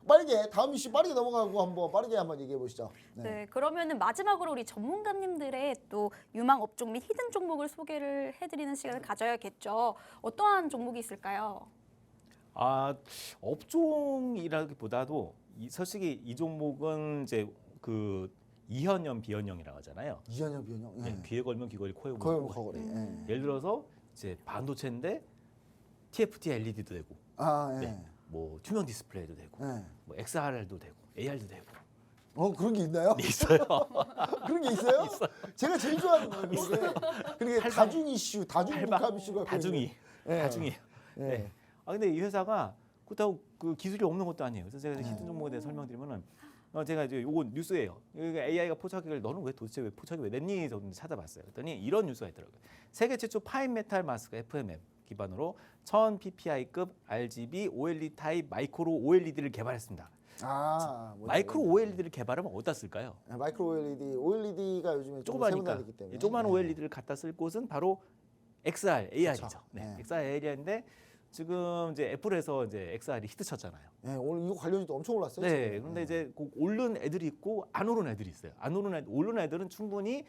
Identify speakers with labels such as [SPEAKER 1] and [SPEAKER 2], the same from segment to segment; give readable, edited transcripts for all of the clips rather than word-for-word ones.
[SPEAKER 1] 빠르게 다음 이슈 빠르게 넘어가고 한번 얘기해 보시죠.
[SPEAKER 2] 네, 그러면은 마지막으로 우리 전문가님들의 또 유망 업종 및 히든 종목을 소개를 해드리는 시간을 가져야겠죠. 어떠한 종목이 있을까요?
[SPEAKER 3] 업종이라기보다도 솔직히 이 종목은 이제 그 이현형, 비현형이라고 하잖아요.
[SPEAKER 1] 이현영, 비현영.
[SPEAKER 3] 네, 귀에 걸면 귀걸이, 코에
[SPEAKER 1] 거의
[SPEAKER 3] 걸면
[SPEAKER 1] 거거리.
[SPEAKER 3] 예를 들어서 이제 반도체인데 TFT LED도 되고, 네, 뭐 투명 디스플레이도 되고, 뭐 XR도 되고, AR도 되고.
[SPEAKER 1] 그런 게 있나요?
[SPEAKER 3] 네, 있어요.
[SPEAKER 1] 그런 게 있어요? 제가 제일 좋아하는 거예요. 그게 다중 이슈, 다중 복합 이슈가
[SPEAKER 3] 다중이. 네. 근데 이 회사가 그렇다고 그 기술이 없는 것도 아니에요. 그래서 제가 히든 종목에 대해 설명드리면은 제가 이제 요거 뉴스예요. AI가 포착기를 너는 왜 도대체 왜 포착이 왜 냈니? 저는 찾아봤어요. 그랬더니 이런 뉴스가 있더라고요. 세계 최초 파인 메탈 마스크 FMM 기반으로 1000 PPI급 RGB OLED 타입 마이크로 OLED를 개발했습니다. 마이크로 OLED를 개발하면 어디다 쓸까요?
[SPEAKER 1] 마이크로 OLED가 요즘에
[SPEAKER 3] 조그마니까
[SPEAKER 1] 세분화되기 때문에
[SPEAKER 3] 조그만 OLED를 갖다 쓸 곳은 바로 XR, AR이죠.
[SPEAKER 1] 그쵸.
[SPEAKER 3] 네, XR, AR인데 지금 이제 애플에서 이제 XR이 히트쳤잖아요.
[SPEAKER 1] 네, 오늘 이거 관련주도 엄청 올랐어요.
[SPEAKER 3] 네,
[SPEAKER 1] 지금.
[SPEAKER 3] 그런데 이제 그 오른 애들이 있고 안 오른 애들이 있어요. 오른 애들은 충분히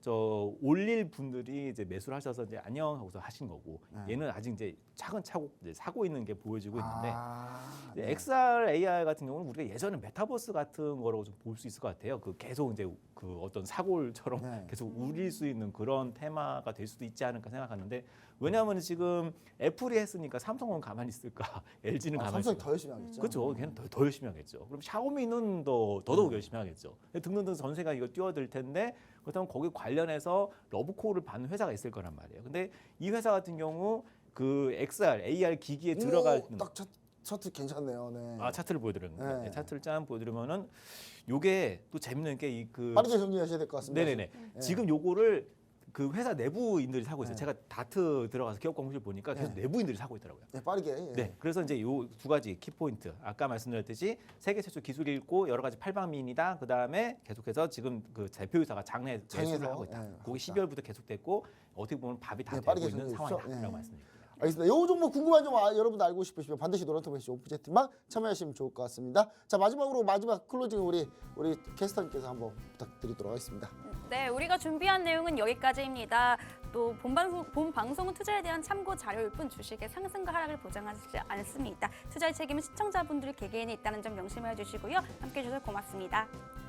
[SPEAKER 3] 올릴 분들이 이제 매수를 하셔서 이제 안녕 하고서 하신 거고, 얘는 아직 이제 차근차곡 이제 사고 있는 게 보여지고 있는데, 이제 XR, AR 같은 경우는 우리가 예전에 메타버스 같은 거라고 좀 볼 수 있을 것 같아요. 그 계속 이제 그 어떤 사골처럼 계속 울릴 수 있는 그런 테마가 될 수도 있지 않을까 생각하는데, 왜냐하면 지금 애플이 했으니까 삼성은 가만히 있을까, LG는 가만히
[SPEAKER 1] 삼성이
[SPEAKER 3] 있을까.
[SPEAKER 1] 더 열심히 하겠죠.
[SPEAKER 3] 그렇죠. 걔는 더 열심히 하겠죠. 그럼 샤오미는 더더욱 열심히 하겠죠. 등등등 전세가 이거 뛰어들 텐데, 그렇다면 거기 관련해서 러브콜을 받는 회사가 있을 거란 말이에요. 근데 이 회사 같은 경우 그 XR, AR 기기에 들어갈
[SPEAKER 1] 딱 차트 괜찮네요. 네.
[SPEAKER 3] 차트를 보여드렸는데
[SPEAKER 1] 네.
[SPEAKER 3] 차트를 짠 보여드리면은 요게 또 재밌는 게
[SPEAKER 1] 빠르게 정리하셔야 될 것 같습니다.
[SPEAKER 3] 네네네. 지금 요거를 그 회사 내부인들이 사고 있어요. 제가 다트 들어가서 기업 공시를 보니까 계속 내부인들이 사고 있더라고요.
[SPEAKER 1] 네, 빠르게.
[SPEAKER 3] 네, 그래서 이제 요 두 가지 키포인트 아까 말씀드렸듯이 세계 최초 기술이 있고 여러 가지 팔방미인이다. 그 다음에 계속해서 지금 그 대표이사가 장내 매수를 하고 있다. 그게 12월부터 계속됐고 어떻게 보면 밥이 다 되고 있는 상황이라고 말씀드립니다.
[SPEAKER 1] 알겠습니다. 요 종목 궁금한 점 여러분들 알고 싶으시면 반드시 노란통메시 오프제트만 참여하시면 좋을 것 같습니다. 자, 마지막 클로징 우리 캐스터님께서 한번 부탁드리도록 하겠습니다.
[SPEAKER 2] 네, 우리가 준비한 내용은 여기까지입니다. 또 본 방송은 투자에 대한 참고 자료일 뿐 주식의 상승과 하락을 보장하지 않습니다. 투자의 책임은 시청자분들 개개인에 있다는 점 명심해 주시고요. 함께해 주셔서 고맙습니다.